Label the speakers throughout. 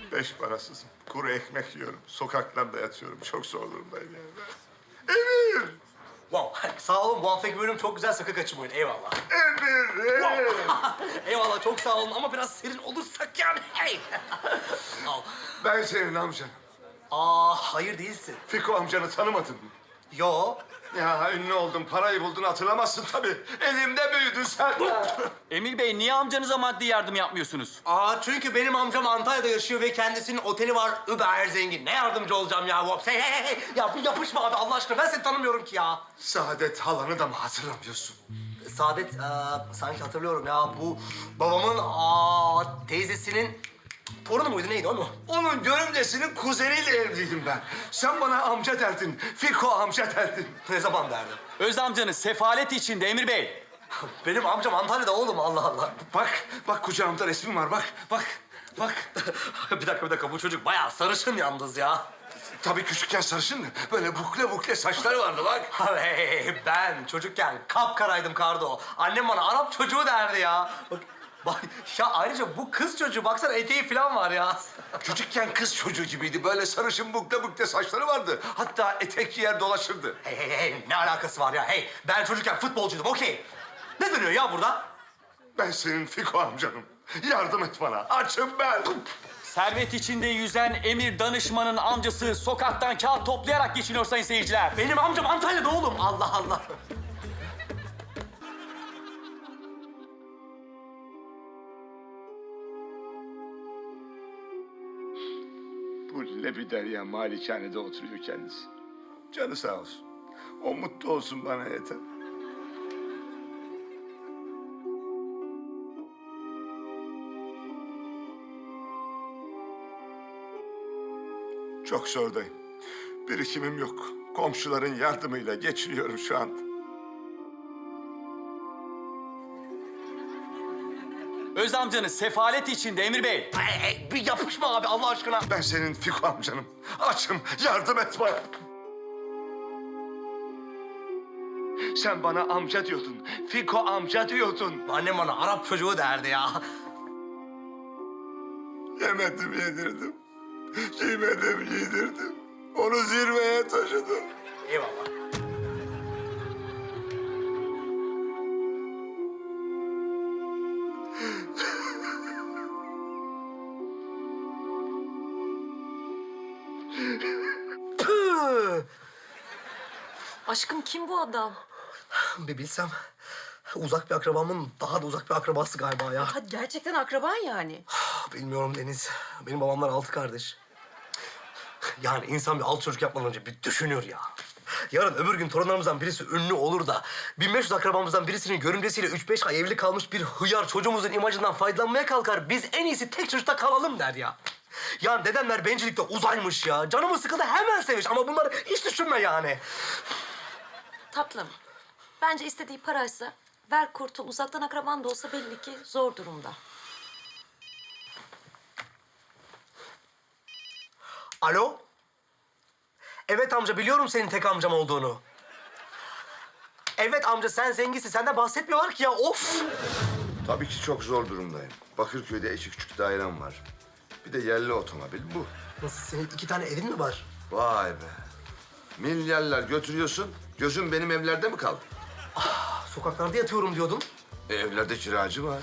Speaker 1: Beş parasızım. Kuru ekmek yiyorum. Sokaklarda yatıyorum. Çok zor durumdayım yani. Emir!
Speaker 2: Wow, sağ olun. Bu haftaki bölüm çok güzel sakın kaçırmayın. Eyvallah.
Speaker 1: Emir!
Speaker 2: Eyvallah, çok sağ olun ama biraz serin olursak yani. Hey! Al.
Speaker 1: Ben senin amcan.
Speaker 2: Hayır değilsin.
Speaker 1: Fiko amcanı tanımadın mı?
Speaker 2: Yo.
Speaker 1: Ya ünlü oldun, parayı buldun hatırlamazsın tabii. Elimde büyüdün sen.
Speaker 3: Emir Bey, niye amcanıza maddi yardım yapmıyorsunuz?
Speaker 2: Çünkü benim amcam Antalya'da yaşıyor ve kendisinin oteli var. Über zengin. Ne yardımcı olacağım ya? Whoops. Hey. Ya bu yapışma abi Allah aşkına. Ben seni tanımıyorum ki ya.
Speaker 1: Saadet halanı da mı hatırlamıyorsun?
Speaker 2: Saadet, sanki hatırlıyorum ya. Bu babamın teyzesinin torunu muydu? Neydi o mu?
Speaker 1: Onun görümcesinin kuzeniyle evliydim ben. Sen bana amca derdin, Fiko amca derdin.
Speaker 2: Ne zaman derdim?
Speaker 3: Öz amcanız sefalet içinde Emir Bey.
Speaker 2: Benim amcam Antalya'da oğlum, Allah Allah.
Speaker 1: Bak kucağımda resmim var, bak.
Speaker 2: bir dakika. Bu çocuk bayağı sarışın yalnız ya.
Speaker 1: Tabii küçükken sarışındı. Böyle bukle saçları vardı bak.
Speaker 2: Hey, ben çocukken kapkaraydım Kardo. Annem bana Arap çocuğu derdi ya. Bak ya, ayrıca bu kız çocuğu, baksana eteği falan var ya.
Speaker 1: Küçükken kız çocuğu gibiydi. Böyle sarışın bukle saçları vardı. Hatta etek giyer dolaşırdı.
Speaker 2: Hey, ne alakası var ya? Hey, ben çocukken futbolcuydum, okey. Ne dönüyor ya burada?
Speaker 1: Ben senin Fiko amcanım. Yardım et bana. Açım ben.
Speaker 3: Servet içinde yüzen Emir danışmanın amcası sokaktan kağıt toplayarak geçiniyor sayın seyirciler.
Speaker 2: Benim amcam Antalya'da oğlum, Allah Allah.
Speaker 1: Bu Lebiderya malikanede oturuyor kendisi. Canı sağ olsun. O mutlu olsun bana yeter. Çok zordayım. Birikimim yok. Komşuların yardımıyla geçiniyorum şu anda.
Speaker 3: Öz amcanız sefalet içinde Emir Bey.
Speaker 2: Hey, bir yapışma abi Allah aşkına.
Speaker 1: Ben senin Fiko amcanım. Açım. Yardım et bana. Sen bana amca diyordun. Fiko amca diyordun.
Speaker 2: Annem bana Arap çocuğu derdi ya.
Speaker 1: Yemedim yedirdim. Giymedim giydirdim. Onu zirveye taşıdım.
Speaker 2: Eyvallah. Püh!
Speaker 4: Aşkım kim bu adam?
Speaker 2: Bir bilsem. Uzak bir akrabamın daha da uzak bir akrabası galiba ya.
Speaker 4: Ha, gerçekten akraban yani.
Speaker 2: Bilmiyorum Deniz. Benim babamlar 6 kardeş. Yani insan bir 6 çocuk yapmadan önce bir düşünür ya. Yarın öbür gün torunlarımızdan birisi ünlü olur da 1500 akrabamızdan birisinin görümcesiyle 3-5 ay evli kalmış bir hıyar çocuğumuzun imajından faydalanmaya kalkar. Biz en iyisi tek çocukta kalalım der ya. Yani dedemler bencillikte uzaymış ya. Canımı sıkıldı hemen seviş ama bunları hiç düşünme yani.
Speaker 4: Tatlım, bence istediği paraysa ver kurtul. Uzaktan akraban da olsa belli ki zor durumda.
Speaker 2: Alo? Evet amca, biliyorum senin tek amcam olduğunu. Evet amca, sen zenginsin. Senden bahsetmiyorlar ki ya, of!
Speaker 1: Tabii ki çok zor durumdayım. Bakırköy'de iki küçük dairem var. Bir de yerli otomobil bu.
Speaker 2: Nasıl, senin 2 tane evin mi var?
Speaker 1: Vay be. Milyarlar götürüyorsun. Gözün benim evlerde mi kaldı?
Speaker 2: Sokaklarda yatıyorum diyordun.
Speaker 1: Evlerde kiracı var.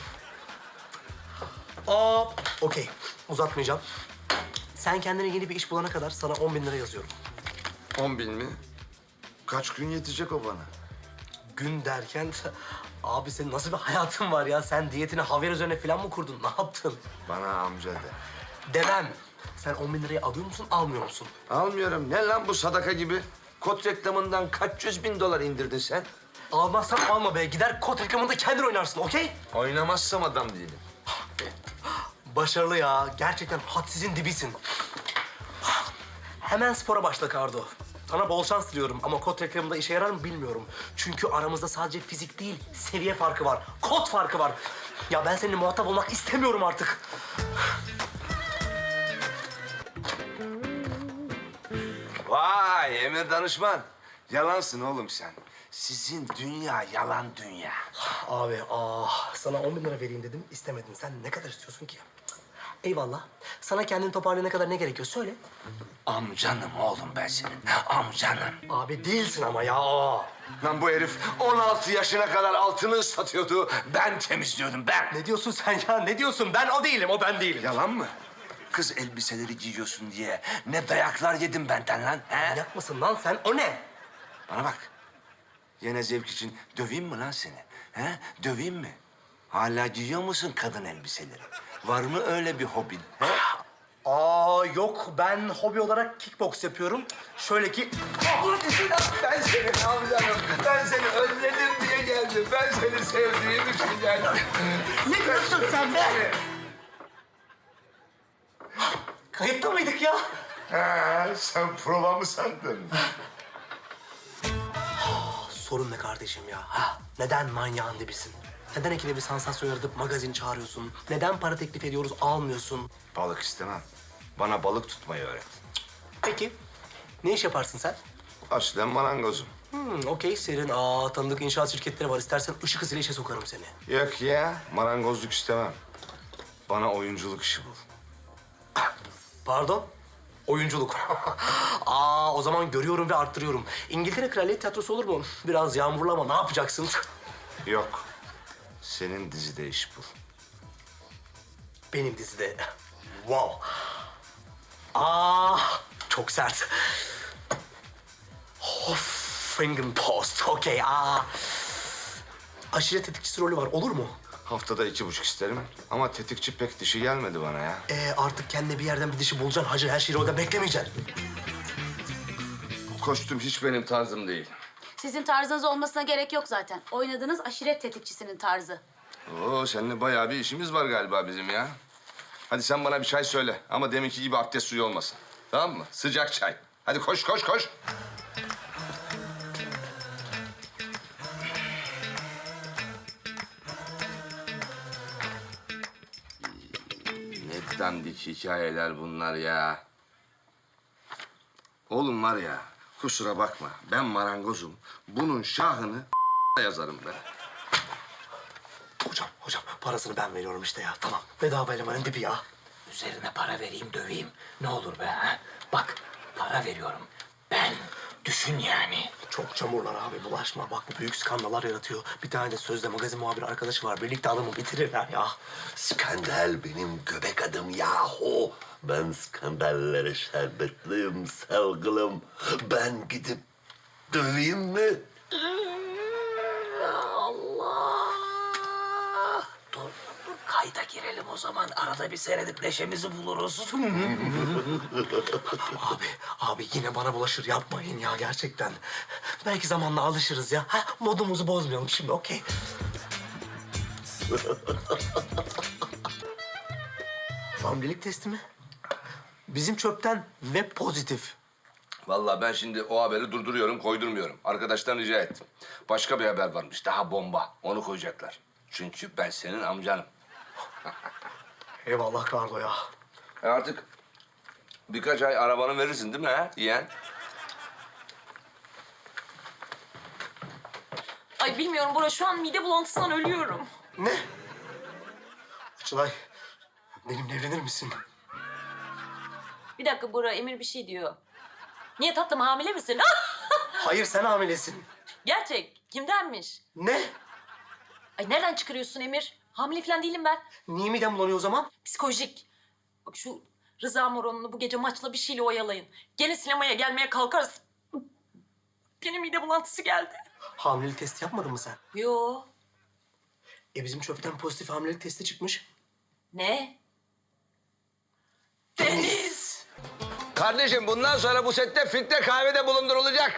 Speaker 2: Okey. Uzatmayacağım. Sen kendine yeni bir iş bulana kadar sana 10.000 lira yazıyorum.
Speaker 1: 10.000 mi? Kaç gün yetecek o bana?
Speaker 2: Gün derken... Abi senin nasıl bir hayatın var ya? Sen diyetini havyar üzerine falan mı kurdun? Ne yaptın?
Speaker 1: Bana amca de.
Speaker 2: Demem. Sen 10.000 lirayı alıyor musun, almıyor musun?
Speaker 1: Almıyorum. Ne lan bu sadaka gibi? Kot reklamından kaç yüz bin dolar indirdin sen?
Speaker 2: Almazsan alma be. Gider kot reklamında kendin oynarsın, okey?
Speaker 1: Oynamazsam adam değilim.
Speaker 2: Başarılı ya. Gerçekten hadsizin dibisin. Hemen spora başla Kardo. Sana bol şans diliyorum ama kot reklamında işe yarar mı bilmiyorum. Çünkü aramızda sadece fizik değil, seviye farkı var. Kot farkı var. Ya ben seninle muhatap olmak istemiyorum artık.
Speaker 1: Vay Emir danışman. Yalansın oğlum sen. Sizin dünya yalan dünya.
Speaker 2: Abi sana 10.000 lira vereyim dedim, istemedin. Sen ne kadar istiyorsun ki? Eyvallah. Sana kendini toparlayana kadar ne gerekiyor söyle.
Speaker 1: Amcanım oğlum ben senin. Amcanım.
Speaker 2: Abi değilsin ama ya.
Speaker 1: Lan bu herif 16 yaşına kadar altını ıslatıyordu. Ben temizliyordum ben.
Speaker 2: Ne diyorsun sen ya? Ne diyorsun? Ben o değilim, o ben değilim.
Speaker 1: Yalan mı? Kız elbiseleri giyiyorsun diye ne dayaklar yedim benden lan. He?
Speaker 2: Manyak mısın lan sen? O ne?
Speaker 1: Bana bak. Yine zevk için döveyim mi lan seni? He? Döveyim mi? Hala giyiyor musun kadın elbiseleri? Var mı öyle bir hobin? He?
Speaker 2: Aa yok, ben hobi olarak kickbox yapıyorum. Şöyle ki...
Speaker 1: Ben seni amcanım. Ben seni özledim diye geldim. Ben seni sevdiğim için geldim.
Speaker 2: Ne diyorsun sen be? Kayıtta mıydık ya?
Speaker 1: Ha, sen prova mı sandın?
Speaker 2: Sorun ne kardeşim ya? Ha? Neden manyağın dibisin? Neden ikide bir sansasyon yaratıp magazin çağırıyorsun? Neden para teklif ediyoruz, almıyorsun?
Speaker 1: Balık istemem. Bana balık tutmayı öğret.
Speaker 2: Peki, ne iş yaparsın sen?
Speaker 1: Aslen marangozum.
Speaker 2: Okey, senin tanıdık inşaat şirketleri var. İstersen ışık hızıyla işe sokarım seni.
Speaker 1: Yok ya, marangozluk istemem. Bana oyunculuk işi bul.
Speaker 2: Pardon? Oyunculuk. O zaman görüyorum ve arttırıyorum. İngiltere Kraliyet Tiyatrosu olur mu? Biraz yağmurlu ama ne yapacaksın?
Speaker 1: Yok. Senin dizide iş bul.
Speaker 2: Benim dizide. Wow. Çok sert. Huffington Post. Okey. Aşiret tetikçisi rolü var. Olur mu?
Speaker 1: Haftada 2,5 isterim ama tetikçi pek dişi gelmedi bana ya.
Speaker 2: Artık kendine bir yerden bir dişi bulacaksın. Hacı her şeyi orada beklemeyeceksin.
Speaker 1: Bu kostüm hiç benim tarzım değil.
Speaker 5: Sizin tarzınız olmasına gerek yok zaten. Oynadığınız aşiret tetikçisinin tarzı.
Speaker 1: Oo, seninle bayağı bir işimiz var galiba bizim ya. Hadi sen bana bir çay söyle ama deminki gibi abdest suyu olmasın. Tamam mı? Sıcak çay. Hadi koş, koş, koş. Ne dandik hikayeler bunlar ya. Oğlum var ya, kusura bakma. Ben marangozum. Bunun şahını yazarım ben.
Speaker 2: Hocam parasını ben veriyorum işte ya. Tamam. Bedava elemanın dibi ya.
Speaker 6: Üzerine para vereyim, döveyim. Ne olur be ha? Bak, para veriyorum. Ben, düşün yani.
Speaker 2: Çok çamurlar abi, bulaşma. Bak bu büyük skandallar yaratıyor. Bir tane de sözde magazin muhabiri arkadaşı var. Birlikte adamı bitirirler ya.
Speaker 7: Skandal benim göbek adım yahu. Ben skandallere şerbetliyim sevgilim. Ben gidip döveyim mi?
Speaker 6: Dur, kayda girelim o zaman. Arada bir seyredip neşemizi buluruz.
Speaker 2: Abi yine bana bulaşır. Yapmayın ya gerçekten. Belki zamanla alışırız ya. Modumuzu bozmayalım şimdi, okey. Hamilelik testi mi? Bizim çöpten ve pozitif.
Speaker 1: Vallahi ben şimdi o haberi durduruyorum, koydurmuyorum. Arkadaştan rica ettim. Başka bir haber varmış, daha bomba. Onu koyacaklar. Çünkü ben senin amcanım.
Speaker 2: Eyvallah Kardo ya.
Speaker 1: Artık birkaç ay arabanı verirsin değil mi ha yeğen?
Speaker 4: Ay bilmiyorum Bora, şu an mide bulantısından ölüyorum.
Speaker 2: Ne? Açılay, benimle evlenir misin?
Speaker 4: Bir dakika Bora, Emir bir şey diyor. Niye tatlım, hamile misin?
Speaker 2: Hayır, sen hamilesin.
Speaker 4: Gerçek, kimdenmiş?
Speaker 2: Ne?
Speaker 4: Ay nereden çıkarıyorsun Emir? Hamile falan değilim ben.
Speaker 2: Niye midem bulanıyor o zaman?
Speaker 4: Psikolojik. Bak şu Rıza Moron'unu bu gece maçla bir şeyle oyalayın. Gene sinemaya gelmeye kalkarız. Benim mide bulantısı geldi.
Speaker 2: Hamilelik testi yapmadın mı sen?
Speaker 4: Yo.
Speaker 2: Bizim çöpten pozitif hamilelik testi çıkmış.
Speaker 4: Ne? Deniz.
Speaker 1: Kardeşim bundan sonra bu sette filtre kahvede bulundurulacak.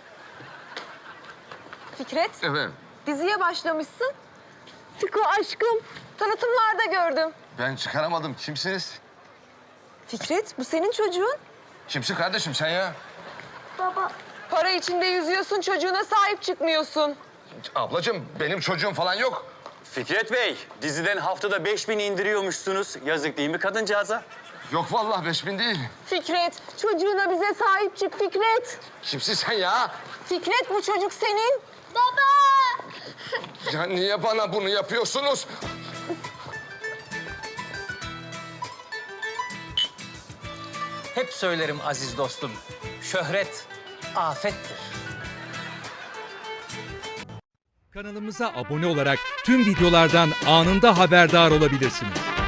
Speaker 8: Fikret,
Speaker 1: Efendim?
Speaker 8: diziye başlamışsın. Fiko aşkım, tanıtımlarda gördüm.
Speaker 1: Ben çıkaramadım. Kimsiniz?
Speaker 8: Fikret, bu senin çocuğun.
Speaker 1: Kimsin kardeşim sen ya?
Speaker 8: Para içinde yüzüyorsun, çocuğuna sahip çıkmıyorsun.
Speaker 1: Ablacığım benim çocuğum falan yok.
Speaker 3: Fikret Bey, diziden haftada 5000 indiriyormuşsunuz. Yazık değil mi kadıncağıza?
Speaker 1: Yok vallahi 5000 değil.
Speaker 8: Fikret, çocuğuna bize sahip çık Fikret.
Speaker 1: Kimsin sen ya?
Speaker 8: Fikret, bu çocuk senin.
Speaker 1: Ya niye bana bunu yapıyorsunuz?
Speaker 6: Hep söylerim aziz dostum. Şöhret afettir.
Speaker 9: Kanalımıza abone olarak tüm videolardan anında haberdar olabilirsiniz.